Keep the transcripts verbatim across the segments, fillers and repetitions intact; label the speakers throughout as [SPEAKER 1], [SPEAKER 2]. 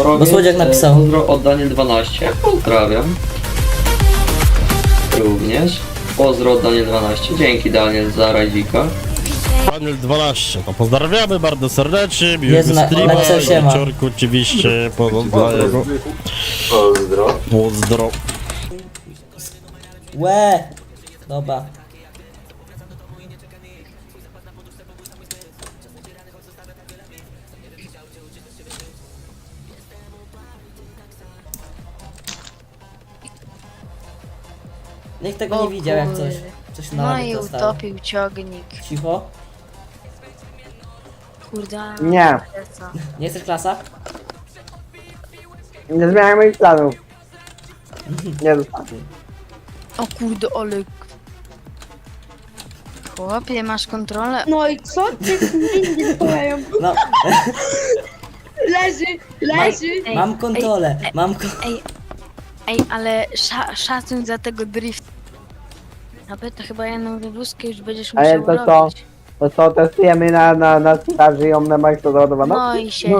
[SPEAKER 1] Bo Słodziak napisał.
[SPEAKER 2] Pozdro oddanie dwanaście. Pozdrawiam. Również. Pozdro oddanie dwanaście. Dzięki Daniel za radzika.
[SPEAKER 3] Daniel dwanaście, no pozdrawiamy bardzo serdecznie,
[SPEAKER 1] Jezu,
[SPEAKER 3] miłego
[SPEAKER 1] na-
[SPEAKER 3] streama,
[SPEAKER 1] napisał siema.
[SPEAKER 3] wieczorku oczywiście, pozdro, jego,
[SPEAKER 2] Pozdro.
[SPEAKER 3] pozdro.
[SPEAKER 1] Łe! Dobra. Nikt tego
[SPEAKER 4] O
[SPEAKER 1] nie widział jak
[SPEAKER 4] kurde.
[SPEAKER 1] coś. Coś na
[SPEAKER 4] No
[SPEAKER 1] rogu
[SPEAKER 4] i
[SPEAKER 1] zostało.
[SPEAKER 4] utopił ciągnik.
[SPEAKER 1] Cicho.
[SPEAKER 4] Kurde.
[SPEAKER 5] Nie.
[SPEAKER 4] co?
[SPEAKER 1] Nie chcesz klasa?
[SPEAKER 5] Nie zmieniaj moich planów. Nie zostawię.
[SPEAKER 4] O kurde, Olek. Chłopie, masz kontrolę?
[SPEAKER 6] No i co ty nie stoją?
[SPEAKER 1] No,
[SPEAKER 6] Leży, leży.
[SPEAKER 4] Ej,
[SPEAKER 1] mam kontrolę.
[SPEAKER 4] ej,
[SPEAKER 1] Mam ko
[SPEAKER 4] Ej, ej, ale sza, szacun za tego drift. Nawet to chyba jedną wywózkę już będziesz
[SPEAKER 5] Ale
[SPEAKER 4] musiał
[SPEAKER 5] to co?
[SPEAKER 4] robić.
[SPEAKER 5] To co, testujemy na, na, na straży ją na maksa załadowaną?
[SPEAKER 4] No i się.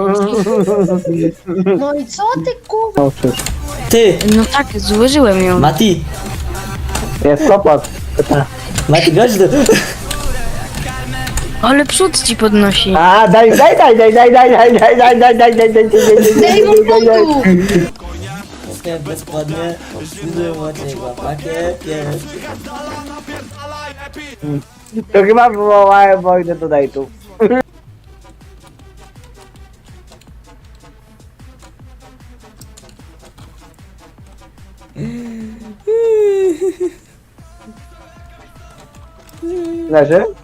[SPEAKER 6] No i co ty kurwa?
[SPEAKER 5] No wszystko.
[SPEAKER 1] Ty!
[SPEAKER 4] No tak, złożyłem ją.
[SPEAKER 1] Mati!
[SPEAKER 5] Jest kłopot.
[SPEAKER 1] Mati, chodź tu!
[SPEAKER 4] Ale przód ci podnosi.
[SPEAKER 5] A, daj, daj, daj, daj, daj, daj, daj, daj, daj, daj, daj, daj, daj,
[SPEAKER 6] Daj mu punktów!
[SPEAKER 1] Okej, bezpłatnie. Widzę Maciego. Pakiet jest.
[SPEAKER 5] To chyba wywołałem wojnę do dejtów. Leży?